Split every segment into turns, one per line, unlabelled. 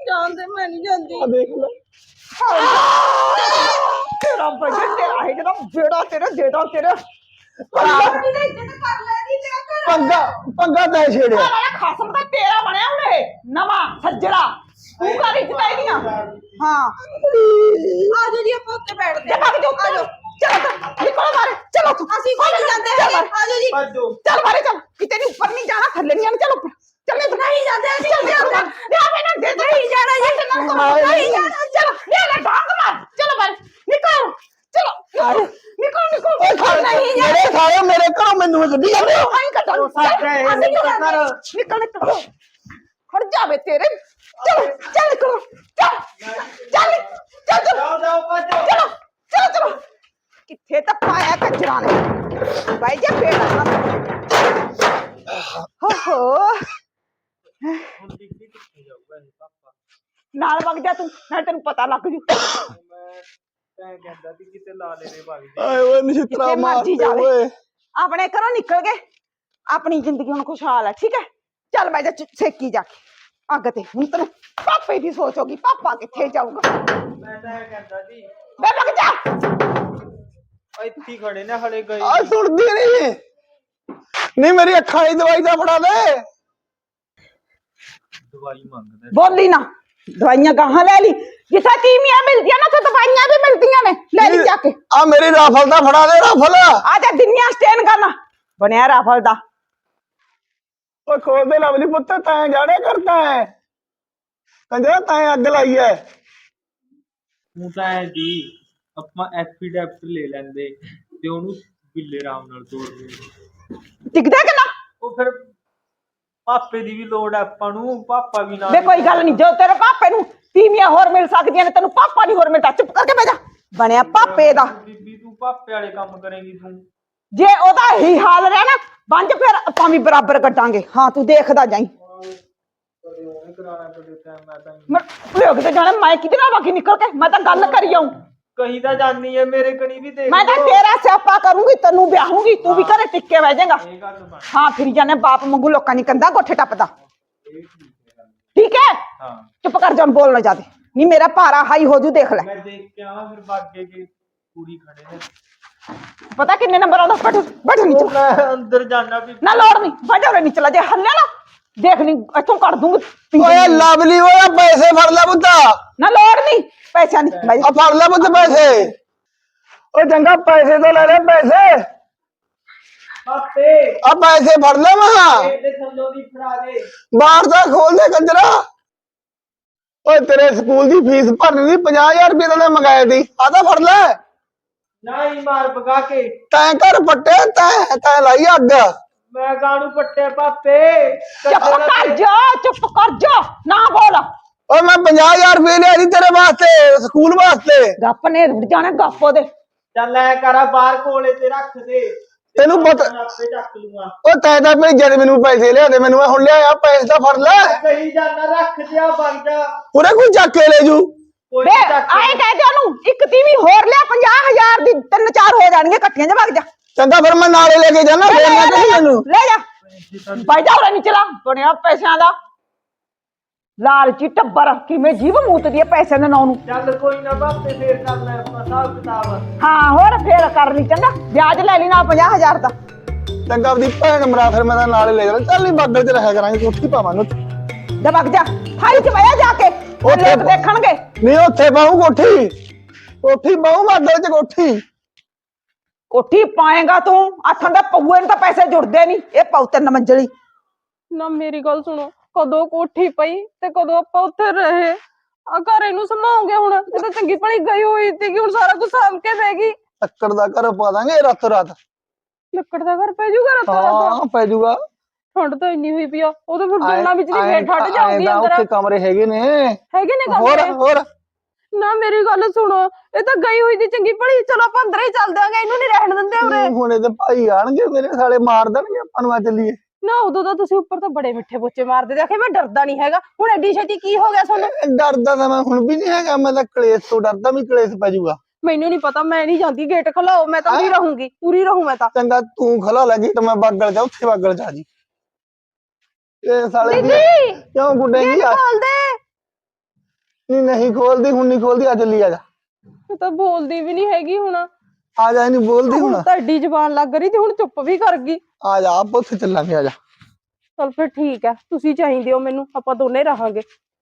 ਜਾਂਦੇ ਮੈਂ ਨਹੀਂ ਜਾਂਦੀ।
ਆ ਦੇਖ ਲੈ
तेरा बजट तेरा है एकदम बेड़ा तेरे देदा तेरे
पंगा पंगा तै छेड़िया
खसम का तेरा बनया हुणे नवा सज्जरा तू कर इज्जत आईदियां हां
आ जाओ जी आप उत्ते बैठ
जा भाग जा चलो निकलो मारे चलो तू
ਅਸੀਂ कोई नहीं जाते
चल
आ जाओ जी
चल मारे चल किते नहीं ऊपर नहीं जाना थल्ले नहीं आना चल ऊपर चल
नहीं जाते
चल दे मैंने दे नहीं जाना ये नहीं जाना चलो ले ले भाग मार चलो मारे निकल चलो निकल निकल नहीं
मेरे साले मेरे घरों मैनू गड्डी जांदे हो
नहीं कटा निकल निकल खड़ जावे तेरे चलो चल निकलो चल चल चल चलो चलो चलो किथे तक पाया कचरा ने भाई जा पेड़ हो नाल वग जा तू ना तेन पता लग जू
आए ओए नछित्रा
जिथे
मार
मर्जी
दे
जावे
ओए
अपने घरों निकल गए अपनी जिंदगी हुण खुशहाल है ठीक है चल मैं जा सेकी जाके अग ते हुण तेरे पापे दी सोच होगी पापा किथे जाऊगा मैं वग जा
ਇੱਥੇ ਖੜੇ ਨੇ ਹਲੇ ਗਏ
आ सुनदी नहीं नहीं मेरी अखां दी दवाई दा फड़ा दे
ਦਵਾਈ ਮੰਗਦਾ
बोली ना दवाइयां कहाँ ले ली जिसे तीमियां मिलती है ना तो दवाइयां भी मिलती ने ले ली जाके
आ मेरी राफल दा फड़ा दे राफल
आजा दुनिया स्टैंड करना बनया राफल दा
ओ खोल दे लवली पुत्त तैं जाने करता है कंजरा तैं अग लाई है
ਤੂੰ ਤਾਂ ਐ ਜੀ ਆਪਾਂ ਐਫੀਡੈਪਟ ਲੈ ਲੈਂਦੇ ਤੇ ਉਹਨੂੰ ਬਿੱਲੇ ਰਾਮ ਨਾਲ ਤੋੜ ਦੇ
टिकदा कि ना
ਉਹ ਫਿਰ ਪਾਪੇ ਦੀ ਵੀ ਲੋੜ ਐ ਆਪਾਂ ਨੂੰ ਪਾਪਾ ਵੀ ਨਾਲ
वे कोई गल नहीं जो तेरे पापे नु तीमियां होर मिल सकदियां ने तेनु पापा नहीं होर मिलता चुप करके बैठ जा बनया पापे दा
ਬੀਬੀ ਤੂੰ ਪਾਪੇ ਵਾਲੇ ਕੰਮ ਕਰੇਂਗੀ ਤੂੰ
जे ओदा ही हाल रहा ना बंज फिर आपां भी बराबर कटांगे हां तू देखदा जाई
ਕਦੇ ਉਹਨੇ ਕਰਾਣਾ ਕਦੇ ਤੈਂ ਮੈਂ ਤਾਂ
मैं लोग ते जाने मैं किदे नाल बाकी निकल के मैं तो गल करी आऊं
ਕਹੀਂ ਤਾਂ ਜਾਨੀ ਐ ਮੇਰੇ ਕਣੀ ਵੀ ਦੇਖ
मैं तो
ਲਓ।
तेरा स्यापा करूंगी तेनू ब्याहूंगी तू भी घरे टिक के बह जाएगा
ਇਹ ਗੱਲ ਬਣ
हाँ फिर जाने बाप मंगू लोकां नी कंधा गोठे टपदा
ਇਹ ਠੀਕ ਹੈ ਗੱਲ।
ठीक है
ਹਾਂ
चुप कर जा बोलना ज्यादा नहीं मेरा पारा हाई हो जू देख ले
ਮੈਂ ਦੇਖ ਕੇ ਆਵਾਂ ਫਿਰ ਬਾਗੇ ਕੇ ਪੂਰੀ खड़े ने
पता किन्ने नंबर आउंदा बैठ बैठ नीचे
ਮੈਂ ਅੰਦਰ ਜਾਣਾ ਵੀ
ना लोड़ नहीं बैठ रे नीचे जे हल्ले ना देख नहीं इथों कर दूंगी
ओए लवली ओए पैसे फड़ ले पुत्ता
ना लोड़ नहीं पैसा नहीं भाई
आ फड़ ले पुत्त पैसे ओ चंगा पैसे तो ले ले पैसे
ਪਾਪੇ
आ पैसे फड़ ले वहां
ਇਹਦੇ ਥੱਲੋਂ ਦੀ ਫੜਾ ਦੇ
बाहर दा खोल दे कंजरा ओए तेरे स्कूल दी फीस भरनी थी 50,000 रुपये तो मंगाए थी आधा फड़ ले
ਨਾ ਹੀ ਮਾਰ ਭਗਾ ਕੇ
तैं घर पट्टे तैं तैं लाई अग
ਮੈਂ ਗਾਣੂ ਪੱਟੇ ਪਾਪੇ
चुप कर जा ना बोल
ओए मैं 50,000 रुपये लिया थी तेरे वास्ते स्कूल वास्ते
गप ने रुड़ जाने गप ओदे
ਚੱਲ ਐ ਕਰਾ ਬਾਹਰ ਕੋਲੇ ਤੇ ਰੱਖ ਦੇ
ਤੈਨੂੰ ਪਤਾ
ਮੈਂ ਆਪੇ ਚੱਕ ਲੂੰਗਾ
ਉਹ ਤੈਂ ਤਾਂ ਭੇਜਿਆ ਤੇ ਮੈਨੂੰ ਪੈਸੇ ਲਿਆ ਦੇ ਮੈਨੂੰ ਹੁਣ ਲਿਆ ਪੈਸੇ ਤਾਂ ਫੜ ਲੈ
ਕਹੀ ਜਾਣਾ ਰੱਖ ਦਿਆ ਬਣ ਜਾ
ਪੂਰੇ ਕੋਈ ਚੱਕ ਕੇ ਲੈ ਜੂ
ਕੋਈ
ਵੇ
ਨੀ ਚੱਕ ਕੇ-
ਆਏ ਕਹਿ ਦੇ ਉਹਨੂੰ ਇੱਕ ਤੀਵੀਂ ਹੋਰ ਲਿਆ 50,000 ਦੀ ਤਿੰਨ ਚਾਰ ਹੋ ਜਾਣਗੇ ਇਕੱਠੀਆਂ ਜਾ ਵਗ ਜਾ
ਚੰਗਾ ਫਿਰ ਮੈਂ ਨਾਲੇ ਲੈ ਕੇ ਜਾਣਾ ਫੇਰ ਮੈਂ ਕਹੀ ਮੈਨੂੰ
ਲੈ ਜਾ ਬਾਈ ਜਾ ਉਰੇ ਨਹੀਂ ਚਲਾ ਬਣਿਆ ਪੈਸਿਆਂ ਦਾ ਲਾਲਚੀ ਟੱਬਰ ਕਿਵੇਂ ਜੀਵ ਮੂਤਦੀ ਹੈ ਪੈਸੇ ਦੇ ਨਾਂ ਨੂੰ
ਚੱਲ ਕੋਈ ਨਾ ਬਾਪੇ ਫੇਰ ਕਰ ਲੈ ਆਪਾਂ ਹਿਸਾਬ ਕਿਤਾਬ
ਹਾਂ ਹੋਰ ਫੇਰ ਕਰ ਲਈ ਚੰਗਾ ਵਿਆਜ ਲੈ ਲਈ ਨਾਲ 50,000 ਦਾ
ਚੰਗਾ ਆਪਦੀ ਭੈਣ ਮਰਾ ਫਿਰ ਮੈਂ ਤਾਂ ਨਾਲੇ ਲੈ ਜਾਣਾ ਚੱਲ ਨਹੀਂ ਬਾਬੇ ਤੇ ਰਹਿ ਕਰਾਂਗੇ ਕੋਠੀ ਪਾਵਾਂਗੇ
ਜਾ ਵਗ ਜਾ ਥਾਈ ਚ ਬਹਿ ਜਾ ਕੇ ਉਹ
ਉੱਥੇ
ਲੋਕ ਦੇਖਣਗੇ
ਨਹੀਂ ਉੱਥੇ ਪਾਉ ਕੋਠੀ ਕੋਠੀ ਪਾਉ ਬਾਦਲ ਚ ਕੋਠੀ
ਕੋਠੀ ਪਾਏਗਾ ਤੂੰ ਆਥਾਂ ਦਾ ਪਊਏ ਨੂੰ ਤਾਂ ਪੈਸੇ ਜੁੜਦੇ ਨਹੀਂ ਇਹ ਪਾਉ ਤਿੰਨ ਮੰਜ਼ਲੀ
ਨਾ ਮੇਰੀ ਗੱਲ ਸੁਣੋ ਕਦੋਂ ਕੋਠੀ ਪਈ ਤੇ ਕਦੋਂ ਆਪਾਂ ਉੱਥੇ ਰਹੇ ਆ ਘਰ ਇਹਨੂੰ ਸੰਭਾਉਂਗੇ ਹੁਣ ਇਹ ਤਾਂ ਚੰਗੀ ਭਲੀ ਗਈ ਹੋਈ ਸੀ ਕਿ ਹੁਣ ਸਾਰਾ ਕੁਝ ਸਾਂਭ ਕੇ ਬਹਿ ਗਈ
ਲੱਕੜ ਦਾ ਘਰ ਪਾ ਦਾਂਗੇ ਰਾਤੋਂ ਰਾਤ
ਲੱਕੜ ਦਾ ਘਰ ਪੈ ਜੂਗਾ ਰਾਤੋਂ ਰਾਤ
ਹਾਂ ਪੈ ਜੂਗਾ
ਠੰਡ ਤਾਂ ਇੰਨੀ ਹੋਈ ਪਈ ਆ ਉਹ ਤਾਂ ਫਿਰ ਦੋਨਾਂ ਵਿੱਚ ਦੀ ਫੇਰ ਠੱਡ ਜਾਊਗੀ ਅੰਦਰ
ਉੱਥੇ ਕਮਰੇ ਹੈਗੇ ਨੇ
ਹੈਗੇ ਨੇ
ਹੋਰ
ਕਮਰੇ
ਹੋਰ
ਨਾ ਮੇਰੀ ਗੱਲ ਸੁਣੋ ਇਹ ਤਾਂ ਗਈ ਹੋਈ ਦੀ ਚੰਗੀ ਭਲੀ ਚਲੋ ਆਪਾਂ ਅੰਦਰ ਹੀ ਚੱਲ ਦਿਆਂਗੇ ਇਹਨੂੰ ਨਹੀਂ ਰਹਿਣ ਦਿੰਦੇ ਉਰੇ
ਹੁਣ ਇਹਦੇ ਭਾਈ ਆਣਗੇ ਮੇਰੇ ਸਾਲੇ ਮਾਰ ਦੇਣਗੇ ਆਪਾਂ ਨੂੰ ਆ ਚੱਲੀਏ
ਨਾ ਉਦੋਂ ਤਾਂ ਤੁਸੀਂ ਉੱਪਰ ਤਾਂ ਬੜੇ ਮਿੱਠੇ ਬੋਚੇ ਮਾਰਦੇ ਦੇਖੇ ਮੈਂ ਡਰਦਾ ਨਹੀਂ ਹੈਗਾ ਹੁਣ ਐਡੀ ਛੇਤੀ ਕੀ ਹੋ ਗਿਆ ਤੁਹਾਨੂੰ
ਡਰਦਾ ਤਾਂ ਮੈਂ ਹੁਣ ਵੀ ਨਹੀਂ ਹੈਗਾ ਮੈਂ ਤਾਂ ਕਲੇਸ਼ ਤੋਂ ਡਰਦਾ ਵੀ ਕਲੇਸ਼ ਪੈ ਜਾਊਗਾ
ਮੈਨੂੰ ਨਹੀਂ ਪਤਾ ਮੈਂ ਨਹੀਂ ਜਾਂਦੀ ਗੇਟ ਖਲਾਓ ਮੈਂ ਤਾਂ ਪੂਰੀ ਰਹੂੰ ਮੈਂ ਤਾਂ
ਚੰਗਾ ਤੂੰ ਖਲਾ ਲੈ ਗੇਟ ਮੈਂ ਬਾਗਲ ਜਾ ਉੱਥੇ ਬਾਗਲ ਜਾ ਜੀ ਇਹ ਸਾਲੇ
ਦੀਦੀ
ਕਿਉਂ ਗੁੱਡੇਗੀ
ਗੇਟ ਖੋਲ ਦੇ
नहीं खोलती हूं, नहीं खोलती। आ जल्दी आ जा,
ਇਹ ਤਾਂ ਬੋਲਦੀ ਵੀ ਨਹੀਂ ਹੈਗੀ ਹੁਣ।
आ जा, नहीं बोलती हूं
ਹੁਣ
ना।
ਤਾਂ ਏਡੀ ਜ਼ਬਾਨ ਲੱਗ ਰਹੀ ਤੇ ਹੁਣ ਚੁੱਪ ਵੀ ਕਰ ਗਈ।
आ जा, आप उत्थे चलांगे। आ जा।
ਚਲ ਫਿਰ ਠੀਕ ਹੈ, ਤੁਸੀਂ ਚਾਹੀਦੇ ਹੋ ਮੈਨੂੰ, ਆਪਾਂ ਦੋਨੇ ਰਹਾਂਗੇ।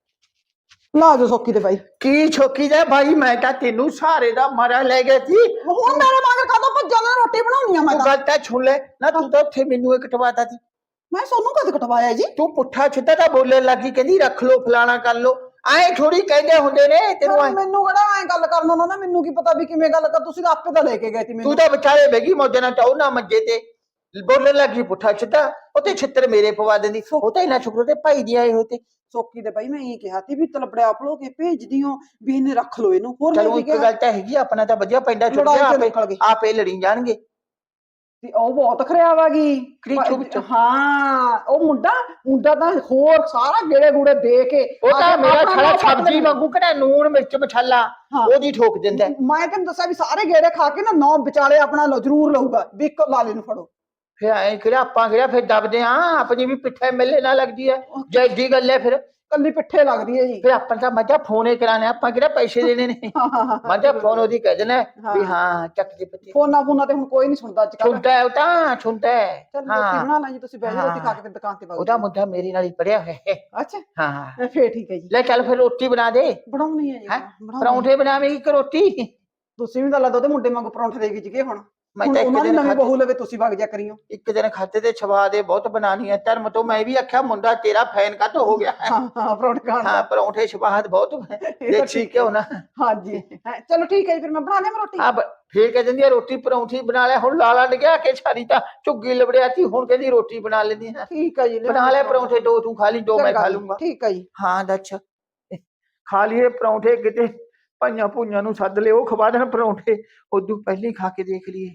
ਲਾ ਜੋ ਸੋਕੀ ਤੇ ਬਾਈ।
ਕੀ ਛੋਕੀ ਦਾ ਭਾਈ, ਮੈਂ ਤਾਂ ਤੈਨੂੰ ਸਾਰੇ ਦਾ ਮਾਰਾ ਲੈ ਗਿਆ ਸੀ।
ਹੁਣ ਮੇਰੇ ਮਗਰ ਕਾਹਦੋਂ ਭੱਜਾ ਨਾ, ਰੋਟੀ ਬਣਾਉਣੀ ਆ ਮੈਂ
ਤੂੰ
ਤਾਂ।
ਗੱਲ ਤਾਂ ਸੁਣ ਲੈ ਨਾ, ਤੂੰ ਤਾਂ ਉੱਥੇ ਮੈਨੂੰ ਇੱਕ ਕਟਵਾਤਾ ਸੀ।
ਮੈਂ ਸੋਨੂੰ ਕਦ ਕਟਵਾਇਆ ਜੀ?
ਤੂੰ ਪੁੱਠਾ ਛਿੱਟਾ ਤਾਂ ਬੋਲਣ ਲੱਗੀ, ਕਹਿੰਦੀ ਰੱਖ ਲੋ ਫਲਾਣਾ ਕਰ ਲੋ। ਐ ਥੋੜੀ ਕਹਿੰਦੇ ਹੁੰਦੇ ਨੇ ਤੈਨੂੰ।
ਮੈਨੂੰ ਕਿਹੜਾ ਐ ਗੱਲ ਕਰਨ ਉਹਨਾਂ ਦਾ, ਮੈਨੂੰ ਕੀ ਪਤਾ ਵੀ ਕਿਵੇਂ ਗੱਲ ਕਰ, ਤੁਸੀਂ ਤਾਂ ਆਪੇ ਤਾਂ ਲੈ ਕੇ ਗਏ ਸੀ
ਤੂੰ
ਮੈਨੂੰ।
ਤਾਂ ਵਿਚਾਰੇ ਬੈਗੀ ਮੌਜਾਂ ਨਾਲ ਟਾਉ ਨਾ ਮੰਜੇ ਤੇ ਬੋਲਣ ਲੱਗੀ ਪੁੱਠਾ ਛਿੱਟਾ, ਉਹ ਤੇ ਛਿੱਤਰ ਮੇਰੇ ਪਵਾ ਦਿੰਦੀ। ਉਹ ਤਾਂ ਇਹਨਾਂ ਸ਼ੁਕਰ ਤੇ ਭਾਈ ਦੀ ਆਏ ਹੋਏ ਤੇ।
ਸੋਕੀ ਤੇ ਬਾਈ ਮੈਂ ਇਹ ਕਿਹਾ ਸੀ ਵੀ ਤਲਪੜਿਆ ਪਲੋ ਕੇ ਭੇਜਦੀ ਹੋ ਵੀ ਇਹਨੇ ਰੱਖ ਲੋ ਇਹਨੂੰ। ਹੋਰ ਮੈਂ
ਚਲੋ
ਕੀ
ਇੱਕ
ਕਿਹਾ?
ਗੱਲ ਤਾਂ ਹੈਗੀ, ਆਪਣਾ ਤਾਂ ਵਧੀਆ ਪੈਂਦਾ ਛੁੱਟ
ਲੜਾਈ
ਗਿਆ,
ਚ ਨਿਕਲ ਗਏ।
ਆਪੇ ਲੜੀ ਜਾਣਗੇ।
ਤੇ ਉਹ ਬਹੁਤ ਖਰਿਆ ਵਾਗੀ।
ਕਰੀਚੋ ਵਿੱਚੋਂ।
ਹਾਂ ਉਹ ਮੁੰਡਾ ਤਾਂ ਹੋਰ ਸਾਰਾ ਗੇੜੇ ਗੂੜੇ ਦੇ ਕੇ
ਉਹ ਤਾਂ ਮੇਰਾ
ਆਪਣਾ
ਛੜਾ
ਨੌਂ
ਸਬਜ਼ੀ ਵਾਂਗੂ ਕਿਹੜਾ ਨੂਣ ਮਿਰਚ ਮਸਾਲਾ
ਹਾਂ।
ਉਹਦੀ ਠੋਕ ਦਿੰਦਾ।
ਮੈਂ ਤੈਨੂੰ ਦੱਸਿਆ ਵੀ ਸਾਰੇ ਗੇੜੇ ਖਾ ਕੇ ਨਾ 9 ਵਿਚਾਲੇ ਆਪਣਾ ਜ਼ਰੂਰ ਲਊਗਾ ਵੀ ਇੱਕ ਲਾਲੇ ਨੂੰ ਫੜੋ।
ਫਿਰ ਐ ਕਿਹੜਾ ਆਪਾਂ ਕਿਹੜਾ ਫਿਰ ਦਬਦੇ ਆ, ਆਪਣੀ ਵੀ ਪਿੱਠੇ ਮਿਲੇ ਨਾ ਲੱਗਦੀ ਹੈ। ਜੇ ਏਡੀ ਗੱਲ ਹੈ ਫਿਰ
ਕੱਲੀ ਪਿੱਠੇ ਲੱਗਦੀ ਹੈ ਜੀ।
ਫਿਰ ਆਪਾਂ ਤਾਂ ਮੱਝਾ ਫੋਨੇ ਕਰਾਣੇ, ਆਪਾਂ ਕਿਹੜਾ ਪੈਸੇ ਦੇਣੇ ਨੇ। ਮੱਝਾ ਫੋਨ ਉਹਦੀ ਕਹਿ ਦੇਣਾ ਵੀ ਹਾਂ ਚੱਕ ਦੇ ਪੱਤੀ।
ਫੋਨਾਂ ਤੇ ਹੁਣ ਕੋਈ ਨਹੀਂ ਸੁਣਦਾ ਅੱਜ ਕੱਲ।
ਸੁਣਦਾ ਹੈ ਉਹ ਤਾਂ ਸੁਣਦਾ ਹੈ।
ਚੱਲ ਰੋਟੀ ਬਣਾ ਲੈ ਜੀ, ਤੁਸੀਂ ਬਹਿ ਜਾਓ, ਰੋਟੀ ਖਾ ਕੇ ਫਿਰ ਦੁਕਾਨ ਤੇ
ਉਹਦਾ ਮੁੱਦਾ ਮੇਰੇ ਨਾਲ ਹੀ ਪੜਿਆ ਹੋਇਆ ਹੈ।
ਅੱਛਾ
ਹਾਂ
ਫੇਰ ਠੀਕ ਹੈ ਜੀ।
ਲੈ ਚੱਲ ਫਿਰ ਰੋਟੀ ਬਣਾ ਦੇ।
ਬਣਾਉਣੀ ਹੈ ਜੀ।
ਹੈਂ?
ਬਣਾਉਣੀ।
ਪਰੌਂਠੇ ਬਣਾਵੇਂਗੀ ਕਿ ਰੋਟੀ?
ਤੁਸੀਂ ਵੀ ਤਾਂ ਲੱਗਦਾ ਉਹਦੇ ਮੁੰਡੇ ਵਾਂਗੂ ਪਰੌਂਠੇ ਦੇ ਵਿੱਚ ਗਏ ਹੁਣ।
ਮੈਂ
ਹੁਣ
ਤਾਂ ਇੱਕ
ਉਹਨਾਂ ਦੀ
ਦਿਨ
ਨਵੀਂ
ਖਾਧੇ।
ਬਹੂ ਲਵੇ ਤੁਸੀਂ ਵਗ ਜਾ ਕਰੀਓ।
ਇੱਕ ਦਿਨ ਖਾਤੇ ਤੇ ਛਵਾ ਦੇ, ਬਹੁਤ ਬਣਾਣੀ ਹੈ ਧਰਮ ਤੋਂ। ਮੈਂ ਵੀ ਆਖਿਆ ਮੁੰਡਾ ਤੇਰਾ ਫੈਨ ਕਾਹਤੋਂ ਹੋ ਗਿਆ ਹੈ।
ਹਾਂ ਪਰੌਂਠੇ ਖਾਣ
ਹਾਂ
ਦਾ।
ਪਰੌਂਠੇ ਛਵਾਦ ਬਹੁਤ ਦੇਸੀ ਘਿਓ ਨਾ।
ਹਾਂਜੀ ਚਲੋ ਠੀਕ ਹੈ ਜੀ, ਫਿਰ ਮੈਂ ਬਣਾ ਲਿਆ ਰੋਟੀ।
ਆ ਫੇਰ ਕਹਿ ਦਿੰਦੀ ਆ ਰੋਟੀ ਪਰੌਂਠੀ ਬਣਾ ਲੈ। ਹੁਣ ਲਾਲਾ ਡਿਆ ਕੇ ਛਾਰੀ ਤਾਂ ਝੁੱਗੀ ਲਬੜਿਆ ਸੀ, ਹੁਣ ਕਹਿੰਦੀ ਰੋਟੀ ਬਣਾ ਲੈਂਦੀ ਹੈ।
ਠੀਕ ਹੈ ਜੀ।
ਬਣਾ ਲੈ ਪਰੌਂਠੇ, ਦੋ ਤੂੰ ਖਾ ਲਈ, ਦੋ ਮੈਂ ਖਾ ਲੂੰਗਾ।
ਠੀਕ ਹੈ ਜੀ।
ਹਾਂ ਦੱਸ, ਖਾ ਲਈਏ ਪਰੌਂਠੇ। ਕਿਤੇ ਭਾਈਆਂ ਭੂਈਆਂ ਨੂੰ ਸੱਦ ਲਿਓ, ਉਹ ਖਵਾ ਦੇਣ ਪਰੌਂਠੇ। ਉਦੋਂ ਪਹਿਲਾਂ ਹੀ ਖਾ ਕੇ ਦੇਖ ਲਈਏ।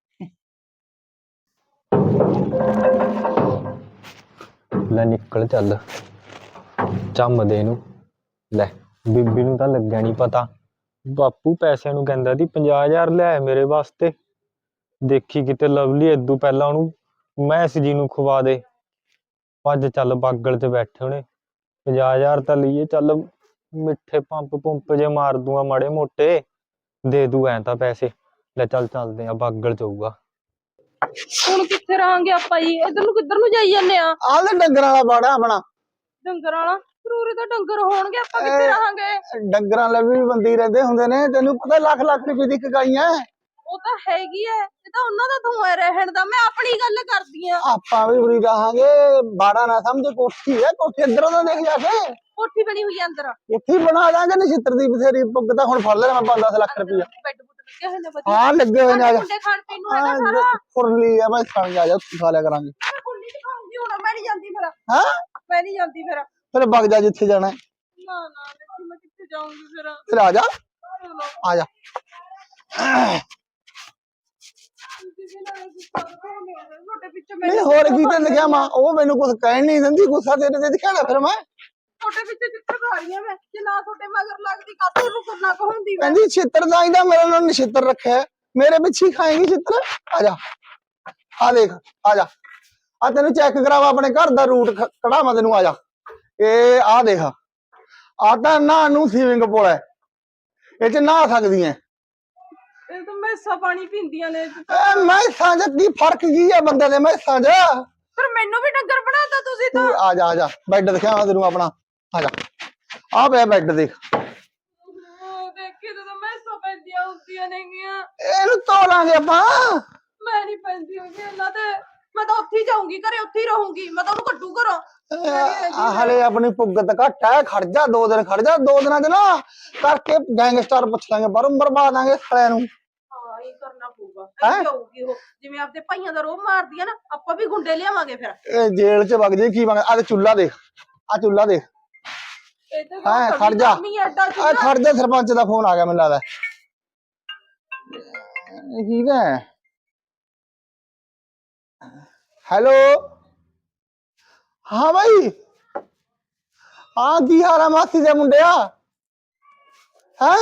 ਲੈ ਨਿਕਲ ਚੱਲ ਚੰਮਦੇ ਨੂੰ। ਲੈ ਬੀਬੀ ਨੂੰ ਤਾਂ ਲੱਗਿਆ ਨਹੀਂ ਪਤਾ, ਬਾਪੂ ਪੈਸਿਆਂ ਨੂੰ ਕਹਿੰਦਾ ਸੀ 50,000 ਲੈ ਮੇਰੇ ਵਾਸਤੇ। ਦੇਖੀ ਕਿਤੇ ਲਵਲੀ ਏਦੂ ਪਹਿਲਾਂ ਉਹਨੂੰ ਮੈਸ ਜੀ ਨੂੰ ਖਵਾ ਦੇ। ਭੱਜ ਚੱਲ ਬਾਗਲ ਤੇ ਬੈਠੇ ਹੋਣੇ। 50,000 ਤਾਂ ਲਈਏ, ਚੱਲ ਮਿੱਠੇ ਪੰਪ ਜੇ ਮਾਰ ਦੂੰਗਾ ਮਾੜੇ ਮੋਟੇ, ਦੇ ਦੂ ਐ ਤਾਂ ਪੈਸੇ। ਲੈ ਚੱਲ ਚੱਲਦੇ ਆ, ਬਾਗਲ ਜਾਊਗਾ।
ਹੁਣ ਕਿੱਥੇ ਰਹਾਂਗੇ ਆਪਾਂ ਜੀ? ਇੱਧਰ ਨੂੰ ਕਿੱਧਰ ਨੂੰ ਜਾਈ ਜਾਂਦੇ ਆ?
ਆ ਲੈ ਡੰਗਰਾਂ ਵਾਲਾ ਬਾੜਾ ਆਪਣਾ।
ਡੰਗਰ ਵਾਲਾ? ਜ਼ਰੂਰੀ ਤਾਂ ਡੰਗਰ ਹੋਣਗੇ, ਆਪਾਂ ਕਿੱਥੇ ਰਹਾਂਗੇ?
ਡੰਗਰਾਂ ਲਈ ਵੀ ਬੰਦੀ ਰਹਿੰਦੇ ਹੁੰਦੇ ਨੇ, ਤੈਨੂੰ ਪਤਾ ਲੱਖ ਲੱਖ ਰੁਪਏ ਦੀ ਕਗਾਈ ਐ।
ਉਹ ਤਾਂ ਹੈਗੀ ਐ, ਇਹ ਤਾਂ ਉਹਨਾਂ ਦਾ ਧੂਆ ਰਹਿਣ ਦਾ। ਮੈਂ ਆਪਣੀ ਗੱਲ ਕਰਦੀ ਆ।
ਆਪਾਂ ਵੀ ਉਰੀ ਰਹਾਂਗੇ। ਬਾੜਾ ਨਾ ਸਮਝ, ਕੋਠੀ ਐ, ਕੋਠੀ ਅੰਦਰੋਂ ਤਾਂ ਦੇਖ ਜਾ ਕੇ।
ਕੋਠੀ ਬਣੀ ਹੋਈ ਆ ਅੰਦਰ।
ਕੋਠੀ ਬਣਾ ਦਾਂਗੇ, ਨਛਿੱਤਰ ਦੀ ਬਥੇਰੀ ਪੁੱਗ ਤਾਂ ਹੁਣ ਫੜ ਲੈਣਾ ਮੈਂ 5-10 ਲੱਖ ਰੁਪਇਆ।
ਬੈੱਡ ਬੁੱਡ ਲੱਗੇ ਹੋਏ ਨੇ ਵਧੀਆ।
ਹਾਂ ਲੱਗੇ ਹੋਏ ਨੇ। ਆ ਜਾ
ਮੁੰਡੇ ਖਾਣ ਪੀਣ ਨੂੰ ਹੈਗਾ ਸਾਰਾ।
ਫੁਰਲੀ ਆ ਮੈਂ ਖਾਣ ਆ ਜਾ, ਖਾ ਲਿਆ ਕਰਾਂਗੇ।
ਮੈਂ ਕੁੰਡੀ ਚ ਖਾਉਂਗੀ ਹੁਣ, ਮੈਂ ਨਹੀਂ ਜਾਂਦੀ ਫਿਰ।
ਹਾਂ
ਮੈਂ ਨਹੀਂ ਜਾਂਦੀ ਫਿਰ।
ਫਿਰ ਵਗ ਜਾ ਜਿੱਥੇ ਜਾਣਾ।
ਨਾ ਨਾ ਦੇਖੀ ਮੈਂ ਕਿੱਥੇ ਜਾਊਂਗੀ ਫਿਰ।
ਫਿਰ ਆ ਜਾ, ਆ ਜਾ।
ਤੁਹਾਡੇ ਪਿੱਛੇ
ਨਹੀਂ ਹੋਰ ਕੀ ਤੇ ਲਿਖਿਆ ਮਾਂ, ਉਹ ਮੈਨੂੰ ਕੁਝ ਕਹਿਣ ਨਹੀਂ ਦਿੰਦੀ। ਗੁੱਸਾ ਤੇਰੇ ਤੇ ਦਿਖਾਣਾ ਫਿਰ ਮੈਂ।
ਤੁਹਾਡੇ ਪਿੱਛੇ ਚਿੱਤਰ ਖਾ ਰਹੀ ਆ ਮੈਂ। ਜੇ ਨਾ ਤੁਹਾਡੇ ਮਗਰ ਲੱਗਦੀ ਕਾਹਤੋਂ ਨੂੰ ਕਰਨਾ ਕਹੂੰਦੀ ਮੈਂ।
ਕਹਿੰਦੀ ਛਿੱਤਰ ਦਾ ਇਹਦਾ ਮੇਰੇ ਨਾਲ ਨਛਿੱਤਰ ਰੱਖਿਆ, ਮੇਰੇ ਪਿੱਛੇ ਖਾਏਗੀ ਛਿੱਤਰ। ਆ ਜਾ, ਆ ਦੇਖ, ਆ ਜਾ। ਆ ਤੈਨੂੰ ਚੈੱਕ ਕਰਾਵਾ ਆਪਣੇ ਘਰ ਦਾ ਰੂਟ ਕਢਾਵਾਂ ਤੈਨੂੰ। ਆ ਜਾ, ਇਹ ਆ ਦੇਖ, ਆ ਤਾਂ ਨਾ ਨੂੰ ਸਵਿਮਿੰਗ ਪੂਲ ਹੈ, ਇਹ ਚ ਨਹਾ ਸਕਦੀ ਐ।
ਇਹ ਤਾਂ ਮੈਸਾਂ ਪਾਣੀ ਪੀਂਦੀਆਂ ਨੇ।
ਮੈਸਾਂ ਚ ਕੀ ਫਰਕ ਕੀ ਆ ਬੰਦੇ ਦੇ ਮੈਸਾਂ ਚ?
ਪਰ ਮੈਨੂੰ ਵੀ ਡੰਗਰ ਬਣਾਤਾ ਤੁਸੀਂ ਤਾਂ।
ਆ ਜਾ, ਆ ਜਾ, ਬੈੱਡ ਦਿਖਾਵਾਂ ਤੈਨੂੰ ਆਪਣਾ। ਆ ਜਾ, ਆ ਪਿਆ ਬੈੱਡ ਦੇਖ।
ਦੇਖੀ ਤਾਂ ਮੈਸਾਂ ਪੈਂਦੀਆਂ ਹੁੰਦੀਆਂ ਨੇਗੀਆਂ।
ਇਹਨੂੰ ਧੋ ਲਾਂਗੇ ਆਪਾਂ।
ਮੈਂ ਨਹੀਂ ਪੈਂਦੀ ਹੁੰਦੀ ਇਹਨਾਂ ਤੇ। ਮੈਂ ਤਾਂ ਉੱਥੇ ਹੀ ਜਾਊਂਗੀ, ਘਰੇ ਉੱਥੇ ਹੀ ਰਹੂੰਗੀ। ਮੈਂ ਤਾਂ ਉਹਨੂੰ ਕੱਢੂ ਘਰੋਂ।
ਹਲੇ ਆਪਣੀ ਪੁੱਗਤ ਘੱਟ ਹੈ, ਖੜ ਜਾ 2 ਦਿਨ, ਖੜ ਜਾ 2 ਦਿਨਾਂ ਚ ਨਾ ਕਰਕੇ ਗੈਂਗਸਟਰ ਪੁੱਛ ਲਾਂਗੇ, ਬਰਬਾ ਦਾਂਗੇ ਸਾਲਿਆਂ ਨੂੰ।
ਹਾਂ ਇਹ ਕਰਨਾ ਪਊਗਾ। ਇਹ ਜਾਊਗੀ ਉਹ, ਜਿਵੇਂ ਆਪਦੇ ਭਾਈਆਂ ਦਾ ਰੋਹ ਮਾਰਦੀ ਆ ਨਾ, ਆਪਾਂ ਵੀ ਗੁੰਡੇ ਲਿਆਵਾਂਗੇ ਫਿਰ।
ਇਹ ਜੇਲ੍ਹ ਚ ਵਗ ਜੇ ਕੀ ਵਗ। ਆ ਤੇ ਚੁੱਲਾ ਦੇਖ, ਆ ਚੁੱਲਾ ਦੇਖ। ਹਾਂ ਖੜ ਜਾ, ਆ ਖੜ ਜਾ, ਸਰਪੰਚ ਦਾ ਫੋਨ ਆ ਗਿਆ ਮੈਨੂੰ ਲੱਗਦਾ। ਠੀਕ ਹੈ, ਹੈਲੋ। ਹਾਂ ਭਾਈ, ਹਾਂ ਕੀ ਹਾਲ ਆ ਮਾਸੀ ਦੇ ਮੁੰਡਿਆ? ਹੈ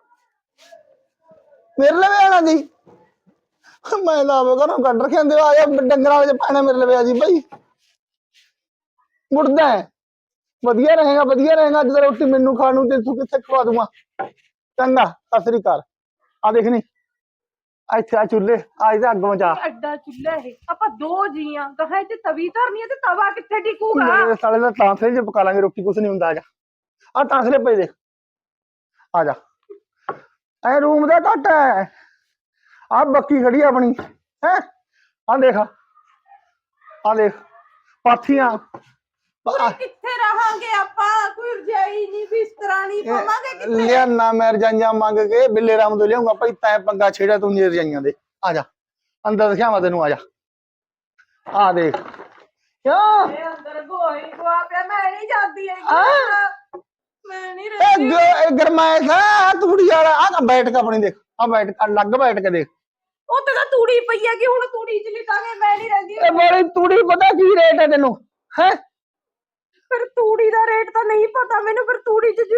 ਮੇਰੇ ਲਵੇ ਆਣਾ ਦੀ। ਮੈਂ ਲਾਵੇ ਘਰੋਂ ਕੱਢ ਰੱਖਿਆ ਹੁੰਦੇ। ਆ ਜਾ ਡੰਗਰਾਂ ਵਾਲੇ ਪਾਣੇ ਮੇਰੇ ਲਵੇ ਆ ਜੀ ਭਾਈ। ਮੁੜਦਾ ਵਧੀਆ ਰਹੇਗਾ ਜਦੋਂ ਰੋਟੀ ਮੈਨੂੰ ਖਾਣ ਨੂੰ ਤੇ ਤੂੰ ਕਿੱਥੇ ਖਵਾ ਦੂੰਗਾ। ਚੰਗਾ ਸਤਿ ਸ੍ਰੀ ਅਕਾਲ। ਆ ਦੇਖ ਨੀ ਇੱਥੇ ਆ ਚੁੱਲ੍ਹੇ ਆ ਇਹਦਾ ਅੱਗ ਮਚਾ।
ਐਡਾ ਚੁੱਲ੍ਹਾ ਇਹ ਆਪਾਂ ਦੋ ਜੀਆਂ ਕਹਾਂ ਤੇ ਤਵੀ ਧਰਨੀ ਹੈ ਤੇ ਤਵਾ ਕਿੱਥੇ ਟਿਕੂਗਾ।
ਮੇਰੇ ਸਾਲੇ ਦਾ ਤਾਂਸਲੇ ਚ ਪਕਾ ਲਾਂਗੇ ਰੋਟੀ, ਕੁਛ ਨਹੀਂ ਹੁੰਦਾ। ਆ ਜਾ ਆ ਤਾਂਸਲੇ ਪਏ ਦੇਖ, ਆ ਜਾ। ਐ ਰੂਮ ਦਾ ਘੱਟ ਹੈ। ਆ ਬੱਕੀ ਖੜੀ ਆਪਣੀ ਹੈ, ਆ ਦੇਖ ਆ ਦੇਖ ਪਾਥੀਆਂ।
ਉਰੇ ਕਿੱਥੇ ਰਹਾਂਗੇ ਆਪਾਂ, ਕੋਈ ਰਜਾਈ ਨਹੀਂ ਬਿਸਤਰਾ ਨਹੀਂ ਪਾਵਾਂਗੇ ਕਿੱਥੇ।
ਲਿਆਣਾ ਮੈਂ ਰਜਾਈਆਂ ਮੰਗ ਕੇ ਬਿੱਲੇ ਰਾਮ ਤੋਂ ਲਿਆਉਂਗਾ ਭਾਈ। ਤੈਂ ਪੰਗਾ ਛੇੜਿਆ ਤੂੰ ਨੀ ਰਜਾਈਆਂ ਦੇ। ਆ ਜਾ ਅੰਦਰ ਦਿਖਾਵਾਂ ਤੈਨੂੰ, ਆ ਜਾ। ਆ ਦੇਖ ਕਿਉਂ
ਇਹ ਅੰਦਰ ਗੋਹੀ ਗਵਾ ਪਿਆ, ਮੈਂ ਨਹੀਂ ਜਾਂਦੀ ਹੈਗੀ। ਮੈਂ ਨਹੀਂ ਰਹਿੰਦੀ।
ਇਹ ਗਰਮਾਇਸ਼ ਆ ਤੂੜੀ ਵਾਲਾ। ਆ ਬੈਠ ਕੇ ਆਪਣੀ ਦੇਖ, ਆ ਬੈਠ ਕੇ ਅਲੱਗ ਬੈਠ ਕੇ ਦੇਖ।
ਉੱਥੇ ਤਾਂ ਤੂੜੀ ਪਈ ਹੈਗੀ, ਹੁਣ ਤੂੜੀ ਚ ਲਿਟਾਂਗੇ। ਮੈਂ ਨਹੀਂ ਰਹਿੰਦੀ।
ਇਹ ਮੇਰੀ ਤੂੜੀ ਪਤਾ ਕੀ ਰੇਟ ਹੈ ਤੈਨੂੰ ਹੈ?
ਫਿਰ ਤੂੜੀ ਦਾ ਰੇਟ ਤਾਂ ਨਹੀਂ ਪਤਾ ਮੈਨੂੰ। ਫਿਰ ਤੂੜੀ ਚ